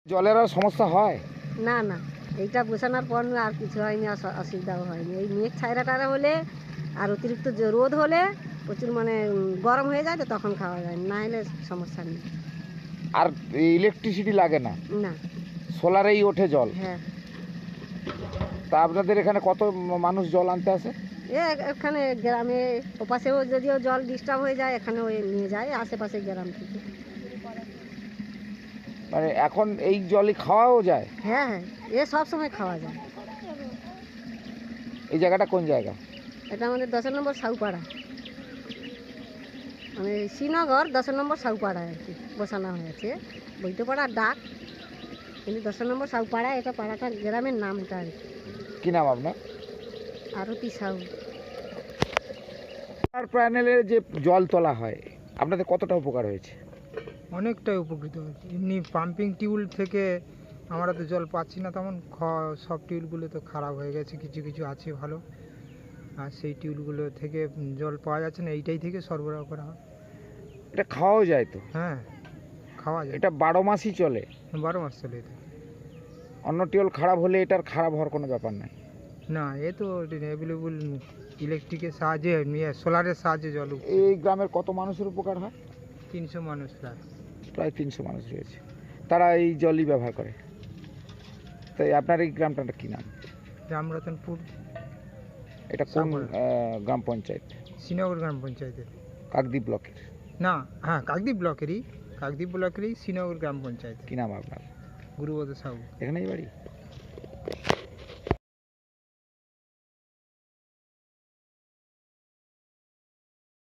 জলের আর সমস্যা হয়? না না, এইটা বসানোর পর আর কিছু হয়নি, অসুবিধাও হয়নি। এই মেঘ ছায়রা টায়রা হলে আর অতিরিক্ত রোদ হলে প্রচুর মানে গরম হয়ে যায়, তো তখন খাওয়া যায় না, হলে সমস্যা নেই। আর ইলেকট্রিসিটি লাগে না? না। সোলারেই ওঠে জল? হ্যাঁ। তা আপনাদের এখানে কত মানুষ জল আনতে আসে? এখানে গ্রামে ওপাশেও যদিও জল ডিস্টার্ব হয়ে যায়, এখানেও নিয়ে যায় আশেপাশে গ্রাম থেকে। মানে এখন এই জলই খাওয়াও যায়? হ্যাঁ হ্যাঁ, সব সময় খাওয়া যায়। এই জায়গাটা কোন জায়গা? এটা আমাদের 10 নম্বর সাউপাড়া, মানে শ্রীনগর 10 নম্বর সাউপাড়া আর কি বসানো হয়েছে। বৈদ্যপাড়ার ডাক, কিন্তু 10 নম্বর সাউপাড়া, এটা পাড়াটা গ্রামের নাম এটা আর কি। কি নাম আপনার? আরতি সাউ। সোলার প্যানেলে যে জল তোলা হয়, আপনাদের কতটা উপকার হয়েছে? অনেকটাই উপকৃত হয়েছে। এমনি পাম্পিং টিউল থেকে আমরা তো জল পাচ্ছি না তেমন, সব টিউলগুলো তো খারাপ হয়ে গেছে, কিছু কিছু আছে ভালো, আর সেই টিউলগুলো থেকে জল পাওয়া যাচ্ছে না, এইটাই থেকে সরবরাহ করা হয়। এটা খাওয়াও যায় তো? হ্যাঁ, খাওয়া যায়, এটা 12 মাসই চলে? 12 মাস চলে এটা। অন্য টিউল খারাপ হলে এটার খারাপ হওয়ার কোনো ব্যাপার নাই? না, এ তো অ্যাভেলেবল ইলেকট্রিকের সাহায্যে, সোলারের সাহায্যে জল এই গ্রামের কত মানুষের উপকার হয়? 300 মানুষ প্রায়। প্রায় 300 মানুষ রয়েছে, তারা এই জলই ব্যবহার করে। তাই আপনার এই গ্রামটার কি নাম? রামরতনপুর। এটা কোন গ্রাম পঞ্চায়েত? শ্রীনগর গ্রাম পঞ্চায়েতের। কাকদ্বীপ ব্লকের? না, হ্যাঁ, কাকদ্বীপ ব্লকেরই শ্রীনগর গ্রাম পঞ্চায়েত। কি নাম আপনার? গুরুবদ সাহু। এখানেই বাড়ি?